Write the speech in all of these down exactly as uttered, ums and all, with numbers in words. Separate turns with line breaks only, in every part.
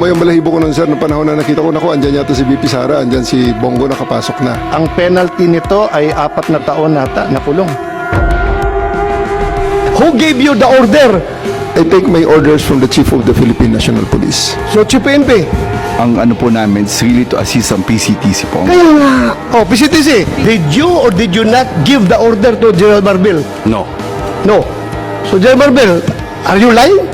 Tumayo ang balahibo ko nun, sir, ng panahon na nakita ko, naku, andyan yata si V P Sara, andyan si Bongo nakapasok na.
Ang penalty nito ay apat na taon nata na kulong.
Who gave you the order?
I take my orders from the Chief of the Philippine National Police.
So, Chief P N P.
Ang ano po namin is really to assist ang P C T C po.
Kaya nga. Oh, P C T C, did you or did you not give the order to General Marbil?
No.
No. So, General Marbil, are you lying?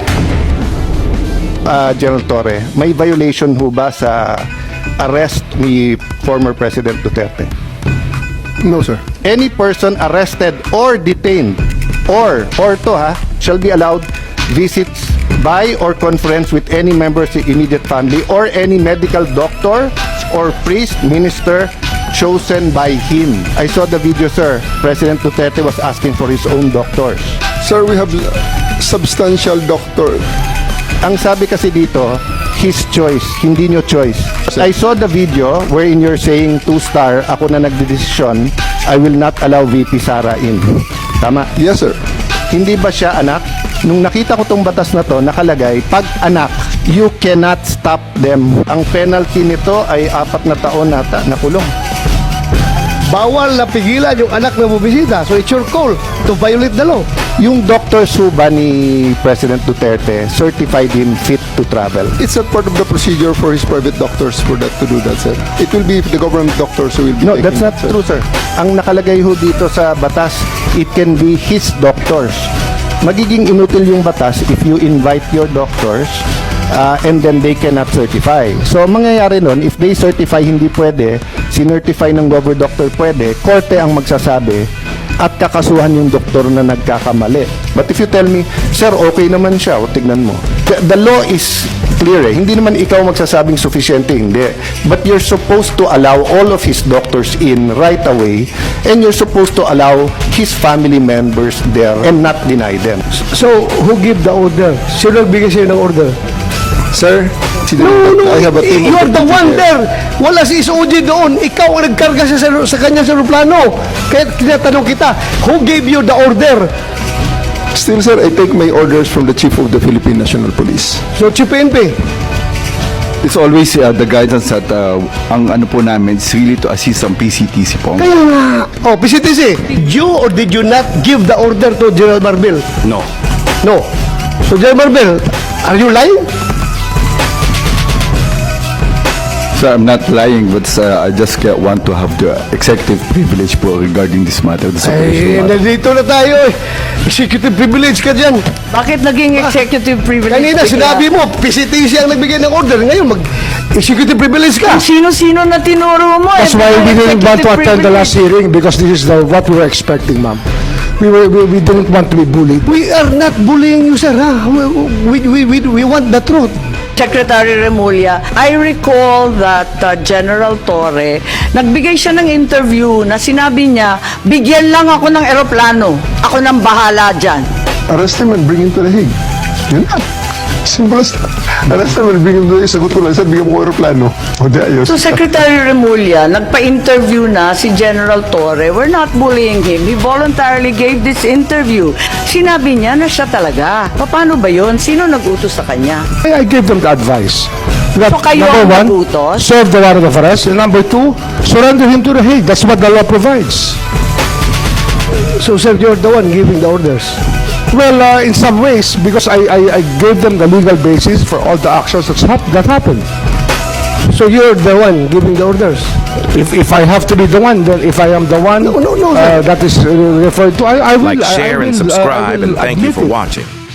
Ah, General Torre, may violation ho ba sa arrest ni former President Duterte?
No, sir.
Any person arrested or detained or or to ha shall be allowed visits by or conference with any member of the immediate family or any medical doctor or priest minister chosen by him. I saw the video, sir. President Duterte was asking for his own doctors.
Sir, we have substantial doctor.
Ang sabi kasi dito, his choice, hindi nyo choice. I saw the video wherein you're saying two-star, ako na nagdedesisyon, I will not allow V P Sara in. Tama?
Yes, sir.
Hindi ba siya anak? Nung nakita ko tong batas na to, nakalagay, pag anak, you cannot stop them. Ang penalty nito ay apat na taon nata na kulong.
Bawal na pigilan yung anak na bubisita. So, it's your call to violate the law.
Yung Doctor Suba ni President Duterte certified him fit to travel.
It's not part of the procedure for his private doctors for that to do that, sir. It will be the government doctors who will be
No,
taking
that's not
it, sir.
true, sir. Ang nakalagay ho dito sa batas, it can be his doctors. Magiging inutil yung batas if you invite your doctors uh, and then they cannot certify. So, ang mangyayari nun, if they certify hindi pwede, sinertify ng government doctor pwede, korte ang magsasabi at kakasuhan yung doktor na nagkakamali. But if you tell me, sir, okay naman siya, o tignan mo. The, the law is clear eh. Hindi naman ikaw magsasabing sufficiente, hindi. But you're supposed to allow all of his doctors in right away and you're supposed to allow his family members there and not deny them.
So, who give the order? Sino nagbigay sa'yo ng order?
Sir,
No, no,
I have a team
you
of
are the one there. Wala si S O G doon. Ikaw ang nagkarga sa, sa kanya sa aeroplano. Kaya tinatanong kita, who gave you the order?
Still, sir, I take my orders from the Chief of the Philippine National Police.
So, Chief P N P.
It's always uh, the guidance that uh, ang ano po namin is really to assist ang P C T C po.
Kaya nga. Oh, P C T C, did you or did you not give the order to General Marbil?
No.
No. So, General Marbil, are you lying?
So I'm not lying, but uh, I just uh, want to have the executive privilege po regarding this matter. This
Ay,
operational matter.
nandito na tayo eh. Executive privilege ka dyan.
Bakit naging executive privilege?
Kanina,
bigla?
sinabi mo, P C T C ang nagbigay ng order. Ngayon, mag-executive privilege ka.
Ang sino-sino na tinuro mo?
That's
eh,
why we
bigla
didn't want to
executive
attend the last
privilege.
hearing because this is the, what we were expecting, ma'am. We were we, we didn't want to be bullied.
We are not bullying you, sir. Ha? We, we, we, we want the truth.
Secretary Remulla, I recall that uh, General Torre, nagbigay siya ng interview na sinabi niya, bigyan lang ako ng eroplano. Ako nang bahala dyan.
Arrest him and bring him to the Hague. Yun na. Simple as that. Arrest him and bring him to the Hague. Sagot ko lang, sir, bigyan mo ko aeroplano. O di ayos.
So Secretary Remulla, nagpa-interview na si General Torre. We're not bullying him. He voluntarily gave this interview. Sinabi niya na siya talaga. Paano ba yun? Sino nag-utos sa kanya?
I, I gave them the advice. That,
So kayo
number
ang
one,
nagutos?
serve the warrant of arrest. And number two, surrender him to the Hague. That's what the law provides.
So, sir, you're the one giving the orders.
Well, uh, in some ways, because I, I, I gave them the legal basis for all the actions that's hap- that happened.
So, you're the one giving the orders.
If, if I have to be the one, then if I am the one
No, no, no,
uh, that is uh, referred to, I, I will.
Like,
I- I
share, and
will, uh, I
subscribe,
will
and thank you
admit
for
it.
watching.